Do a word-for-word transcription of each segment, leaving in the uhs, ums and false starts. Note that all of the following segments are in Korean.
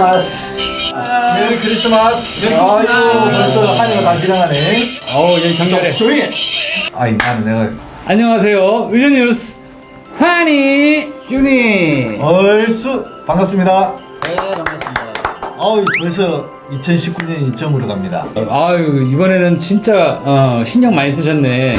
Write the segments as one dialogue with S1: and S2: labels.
S1: 크리스마스. 메리 크리스마스.
S2: 메리
S1: 아이고
S2: 크리스마스.
S1: 벌써 한 해가 다 지나가네.
S2: 어우, 얘 경찰에.
S1: 조용히 해. 아이 나는 내가
S2: 안녕하세요. 의전뉴스 환희.
S1: 윤이 얼쑤 반갑습니다.
S3: 네, 반갑습니다.
S1: 아우 벌써 이천십구 년이 점으로 갑니다.
S2: 아유, 이번에는 진짜 어, 신경 많이 쓰셨네.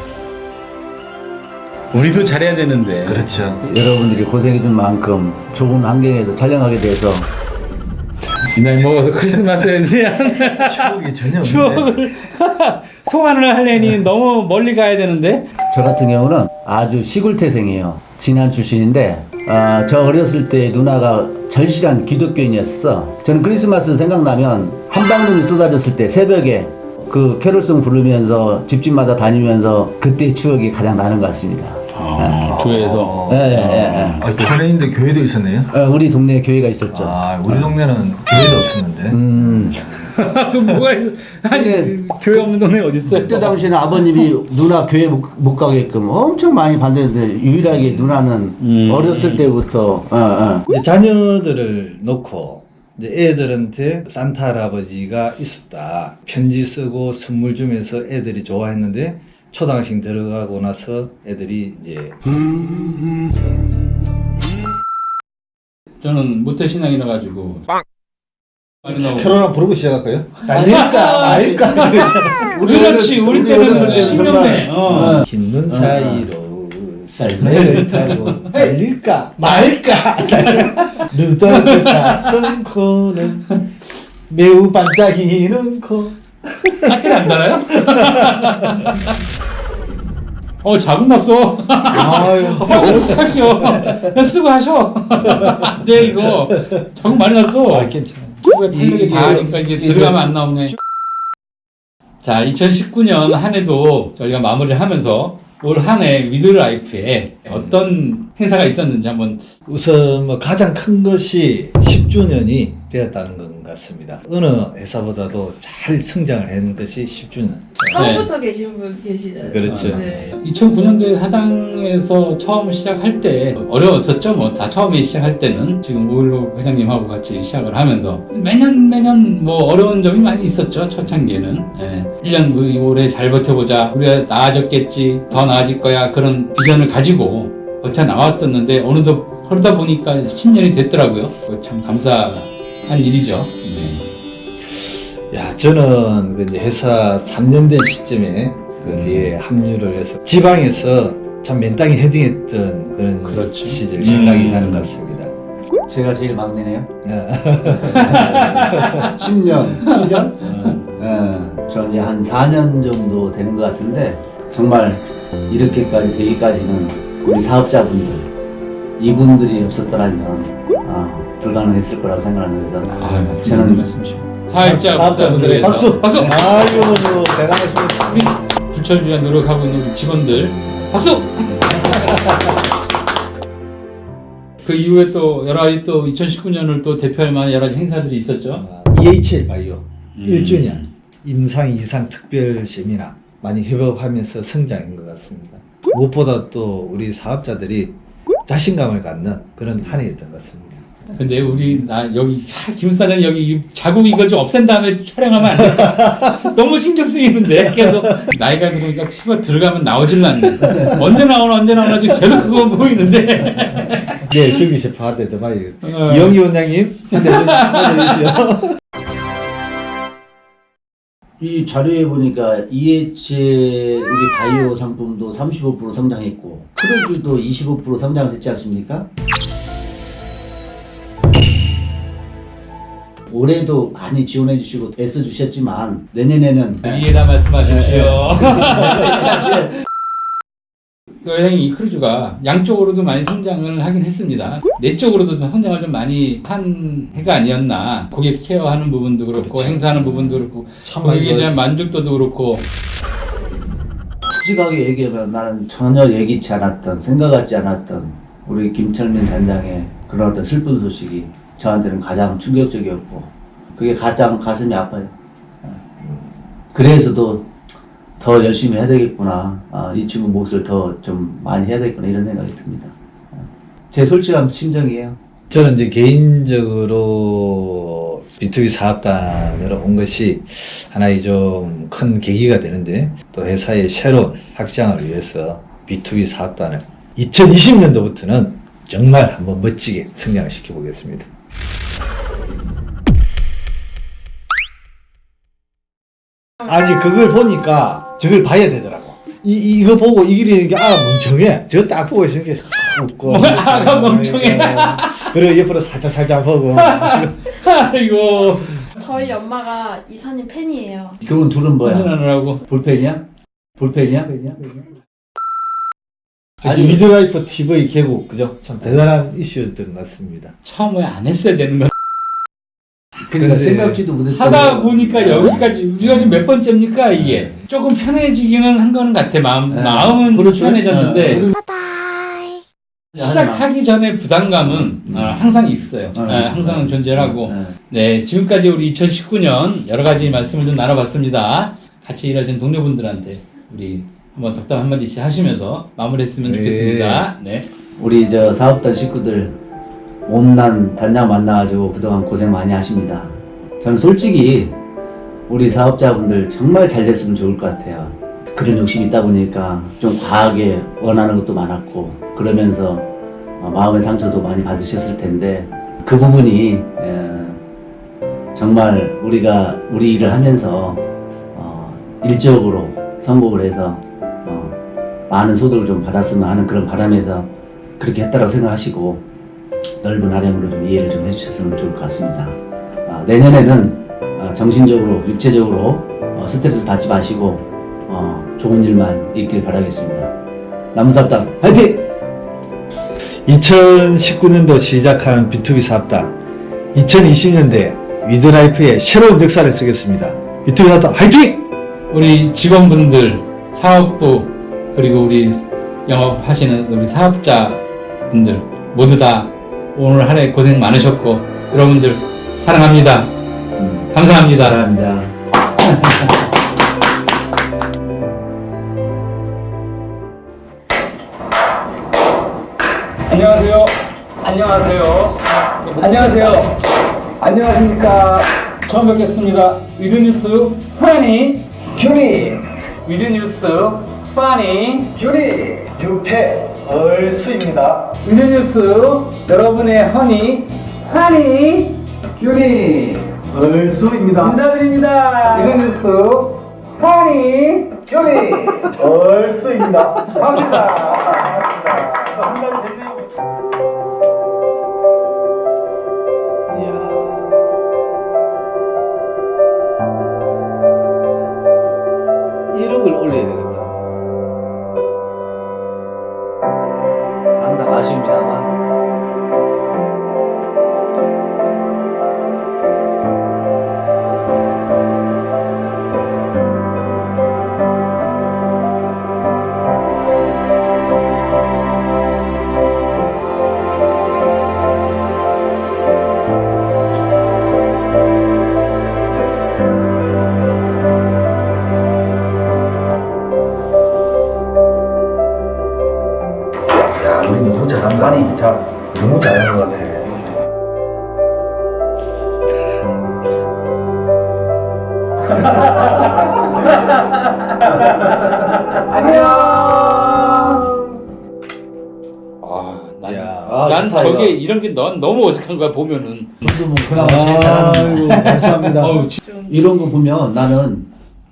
S2: 우리도 잘해야 되는데.
S1: 그렇죠.
S3: 여러분들이 고생해 준 만큼 좋은 환경에서 촬영하게 돼서
S2: 이 나이 먹어서 크리스마스에 대한
S1: 추억이 전혀 없는데.
S2: 추억을 소환을 하려니 너무 멀리 가야 되는데.
S3: 저 같은 경우는 아주 시골 태생이에요. 진안 출신인데 아, 저 어렸을 때 누나가 절실한 기독교인이었어. 저는 크리스마스 생각나면 한방눈이 쏟아졌을 때 새벽에 그 캐롤송 부르면서 집집마다 다니면서 그때 추억이 가장 나는 것 같습니다.
S2: 아, 교회에서.
S3: 예, 예, 예, 예.
S1: 아, 전에인데 교회도 있었네요.
S3: 어, 우리 동네에 교회가 있었죠.
S1: 아 우리 동네는 교회도 없었는데.
S3: 음.
S2: 그 뭐가 있어? 아니,
S3: 근데
S2: 교회 없는 동네 어디 있어요?
S3: 그때 당시에는 아버님이 누나 교회 못, 못 가게끔 엄청 많이 반대했는데 유일하게 누나는
S2: 음.
S3: 어렸을 때부터 어, 어.
S4: 이제 자녀들을 놓고 이제 애들한테 산타 할아버지가 있었다. 편지 쓰고 선물 주면서 애들이 좋아했는데 초등학생 들어가고 나서 애들이 이제
S2: 저는 모태신앙이라 가지고 많이 나오고.
S1: 캐롤 부르고 시작할까요?
S3: 날릴까 말까
S2: 그렇지, 우리 때는 신명네. 어.
S4: 흰 눈 사이로
S3: 썰매를
S4: 타고 달릴까 말까 루돌프 사슴코는 매우 반짝이는 코.
S2: 학교를 안 달아요? 어, 자국 났어.
S1: 아유.
S2: 어, 착이요. 쓰고 하셔. 네, 이거 자국 많이 났어.
S4: 아 괜찮아.
S2: 피부가 탄력이 다 하니까 이제 들어가면 안 나오네. 자, 이천십구 년 한 해도 저희가 마무리를 하면서 올 한 해 위드라이프에 어떤 행사가 있었는지 한번.
S4: 우선 뭐 가장 큰 것이 십 주년이 되었다는 것 같습니다. 어느 회사보다도 잘 성장을 한 것이 십 주년.
S5: 처음부터 계신 분 계시잖아요.
S4: 그렇죠.
S5: 네.
S2: 이천구 년도에 사당에서 처음 시작할 때 어려웠었죠. 뭐 다 처음에 시작할 때는 지금 오일로 회장님하고 같이 시작을 하면서 매년 매년 뭐 어려운 점이 많이 있었죠. 초창기에는. 예. 일 년 올해 잘 버텨보자. 우리가 나아졌겠지. 더 나아질 거야. 그런 비전을 가지고 버텨 나왔었는데 어느덧 그러다 보니까 십 년이 됐더라고요. 참 감사한 일이죠. 네.
S4: 야, 저는 그 이제 회사 삼 년 된 시점에 거기에 합류를 해서 지방에서 참 맨땅에 헤딩했던 그런
S2: 그렇죠.
S4: 시절 생각이
S2: 음.
S4: 나는 것 같습니다.
S3: 제가 제일 막내네요.
S4: 야,
S3: 십 년, 칠 년?
S4: 어,
S3: 예, 저 이제 한 사 년 정도 되는 것 같은데 정말 이렇게까지 되기까지는 우리 사업자분들 이분들이 없었더라면 아, 불가능했을 거라고 생각하는 거죠.
S2: 아, 맞습니다.
S3: 저는
S2: 말씀이시고. 사업자,
S4: 사업자분들의 박수!
S2: 박수!
S4: 아이고, 대단했습니다.
S2: 우리 불철주야 노력하고 있는 우리 직원들 박수! 그 이후에 또 여러 가지 또 이천십구 년을 또 대표할 만한 여러 가지 행사들이 있었죠.
S4: 이에이치엘 바이오
S2: 음.
S4: 일 주년 임상 이상 특별 세미나 많이 협업하면서 성장인 것 같습니다. 무엇보다 또 우리 사업자들이 자신감을 갖는 그런 한 해였던 것 같습니다.
S2: 근데 우리 나 여기 하, 김 사장 여기 자국 이거 좀 없앤 다음에 촬영하면 안 돼? 너무 신경 쓰이는데 계속 나이가 들으니까 피부가 들어가면 나오질 않네. 언제 나오나 언제 나오나 지금 계속 그거 보이는데.
S4: 네, 저기 셰프 한대 더 많이.
S2: 어.
S4: 이영희 원장님 한대 주시죠.
S3: 이 자료에 보니까 이에이치엘 우리 바이오 상품도 삼십오 퍼센트 성장했고 크루즈도 이십오 퍼센트 성장을 했지 않습니까? 올해도 많이 지원해 주시고 애써 주셨지만 내년에는
S2: 이해다 말씀하십시오. 그 회장님 이 크루즈가 양쪽으로도 많이 성장을 하긴 했습니다. 내적으로도 성장을 좀 많이 한 해가 아니었나. 고객 케어하는 부분도 그렇고
S4: 그렇죠.
S2: 행사하는 부분도 그렇고
S4: 참 많이
S2: 고객에 대한
S4: 좋았어요.
S2: 만족도도 그렇고.
S3: 솔직하게 얘기하면 나는 전혀 예기치 않았던 생각 같지 않았던 우리 김철민 단장의 그런 어떤 슬픈 소식이 저한테는 가장 충격적이었고 그게 가장 가슴이 아파요. 그래서도 더 열심히 해야 되겠구나. 아, 이 친구 몫을 더 좀 많이 해야 되겠구나 이런 생각이 듭니다. 제 솔직한 심정이에요.
S4: 저는 이제 개인적으로 비투비 사업단으로 온 것이 하나의 좀 큰 계기가 되는데, 또 회사의 새로운 확장을 위해서 비투비 사업단을 이천이십 년도부터는 정말 한번 멋지게 성장을 시켜보겠습니다. 아니 그걸 보니까 저걸 봐야 되더라고. 이, 이- 이거 보고 이기려는 게, 아, 멍청해. 저거 딱 보고 있으니까, 웃고.
S2: 아가 멍청해.
S4: 그리고 옆으로 살짝 살짝 보고.
S2: 아이고.
S5: 저희 엄마가 이사님 팬이에요.
S3: 그분 둘은 뭐야?
S2: 하시느라고.
S3: 볼펜이야? 볼펜이야?
S4: 아니, 미드라이프 티비 개국, 그죠? 참 대단한 이슈였던 것 같습니다.
S2: 처음에 안 했어야 되는 거.
S3: 그러니까
S4: 근데
S3: 생각지도 못했던
S2: 하다 보니까 여기까지, 우리가 지금 몇 번째입니까, 이게? 조금 편해지기는 한 거는 같아. 마음,
S3: 네.
S2: 마음은
S3: 그렇죠.
S2: 편해졌는데.
S3: 네.
S2: 시작하기 전에 부담감은 어, 항상 있어요.
S3: 네.
S2: 어, 항상 존재하고.
S3: 네.
S2: 네, 지금까지 우리 이천십구 년 여러 가지 말씀을 좀 나눠봤습니다. 같이 일하신 동료분들한테 우리 한번 덕담 한마디씩 하시면서 마무리했으면
S4: 네.
S2: 좋겠습니다. 네.
S3: 우리 저 사업단 식구들 온난 단장 만나가지고 그동안 고생 많이 하십니다. 저는 솔직히 우리 사업자분들 정말 잘 됐으면 좋을 것 같아요. 그런 욕심이 있다 보니까 좀 과하게 원하는 것도 많았고, 그러면서 어, 마음의 상처도 많이 받으셨을 텐데, 그 부분이 에, 정말 우리가 우리 일을 하면서 어, 일적으로 성공을 해서 어, 많은 소득을 좀 받았으면 하는 그런 바람에서 그렇게 했다라고 생각하시고, 넓은 아량으로 좀 이해를 좀 해주셨으면 좋을 것 같습니다. 아, 내년에는 어, 정신적으로, 육체적으로 어, 스트레스 받지 마시고 어, 좋은 일만 있길 바라겠습니다. 남은사업단 화이팅!
S4: 이천십구 년도 시작한 비투비 사업단, 이천이십 년대 위드라이프의 새로운 역사를 쓰겠습니다. 비투비 사업단 화이팅!
S2: 우리 직원분들, 사업부, 그리고 우리 영업하시는 우리 사업자분들 모두 다 오늘 한 해 고생 많으셨고, 여러분들 사랑합니다.
S3: 음,
S2: 감사합니다.
S3: 사랑합니다.
S6: 안녕하세요. 안녕하세요. 안녕하세요. 안녕하십니까. 처음 뵙겠습니다. 위드뉴스 파니
S1: 규리,
S6: 위드뉴스 파니
S1: 규리, 유패, 얼수입니다.
S6: 위드뉴스 여러분의 허니 파니
S1: 규리, 얼수입니다.
S6: 인사드립니다. 위드뉴스 파니
S1: 규리, 얼수입니다.
S6: 반갑습니다.
S4: 이런 걸 올려야 되겠다.
S3: 항상 아쉬웁니다만
S1: 야, 우리 너무 잘한다. 아니, 자, 너무 잘하는 것 같아.
S2: 아, 난,
S4: 야,
S3: 아,
S2: 난
S3: 좋다,
S2: 저게
S3: 이거.
S2: 이런 게 넌 너무 어색한 거야, 보면은.
S3: 저도 뭐 그나마 제일 잘합니다.
S4: 아이고, 감사합니다.
S2: 어우, 지-
S3: 이런 거 보면 나는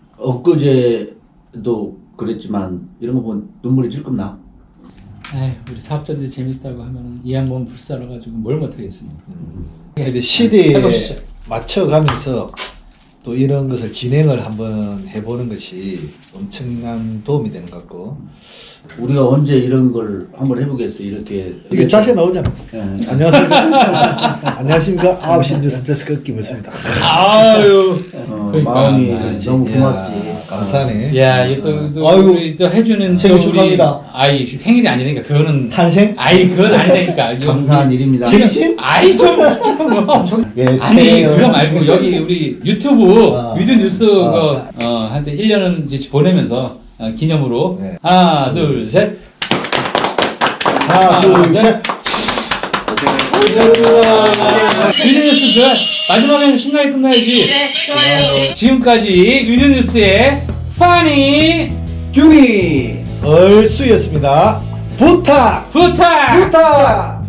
S3: 엊그제도 그랬지만 이런 거 보면 눈물이 찔끔 나.
S2: 아휴, 우리 사업자들이 재밌다고 하면 이 양반 불살아가지고 뭘 못하겠습니까.
S4: 근데 시대에
S2: 해보시죠.
S4: 맞춰가면서 또 이런 것을 진행을 한번 해보는 것이 엄청난 도움이 되는 것 같고.
S3: 우리가 언제 이런 걸 한번 해보겠어. 이렇게
S4: 이게 자세 나오잖아.
S3: 예.
S4: 안녕하십니까. 안녕하십니까. 아홉 시 뉴스 데스크 김일수입니다.
S2: 아유.
S3: 어,
S2: 그러니까,
S3: 마음이
S2: 아,
S3: 너무 고맙지.
S4: 이야, 감사하네.
S2: 야, 이또 또,
S4: 아이고,
S2: 우리 또 해주는
S4: 생일
S2: 또 우리
S4: 축하합니다.
S2: 아이 생일이 아니니까 그거는
S4: 탄생?
S2: 아이 그건 아니니까
S3: 감사한 일입니다.
S4: 생신?
S2: 아이 좀 뭐.
S4: 예,
S2: 아니
S4: 태연.
S2: 그거 말고 여기 우리 유튜브
S4: 아.
S2: 위드 뉴스
S4: 아.
S2: 그거 어 한때 일 년을 이제 보내면서 어, 기념으로
S4: 네.
S2: 하나 둘 셋
S4: 하나, 둘, 셋.
S2: 고생을 감사합니다. 뮤직뉴스 저 마지막에는 신나게 끝나야지.
S5: 네, 좋아요.
S2: 지금까지 뮤직뉴스의 파니
S1: 규미 얼쑤였습니다. 부탁
S2: 부탁
S1: 부탁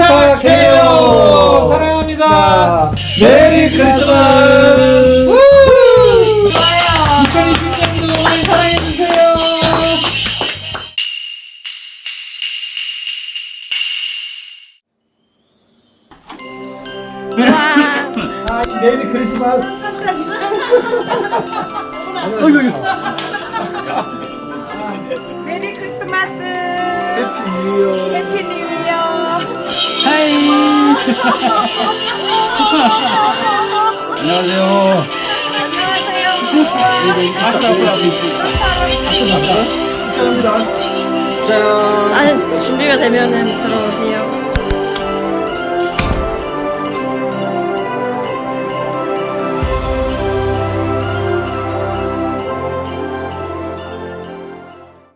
S2: 부탁해요. 사랑합니다.
S1: 자, 메리 크리스마스.
S5: 좋아요.
S2: 이천이십 년도 많이 사랑해주세요.
S1: 아, 이 메리 크리스마스.
S7: 메리 크리스마스.
S1: 해피 뉴 이어.
S7: 해피 뉴 이어.
S3: 안녕하세요.
S7: 안녕하세요.
S1: 축하합니다. 짠.
S5: 아, 준비가 되면은 들어오세요.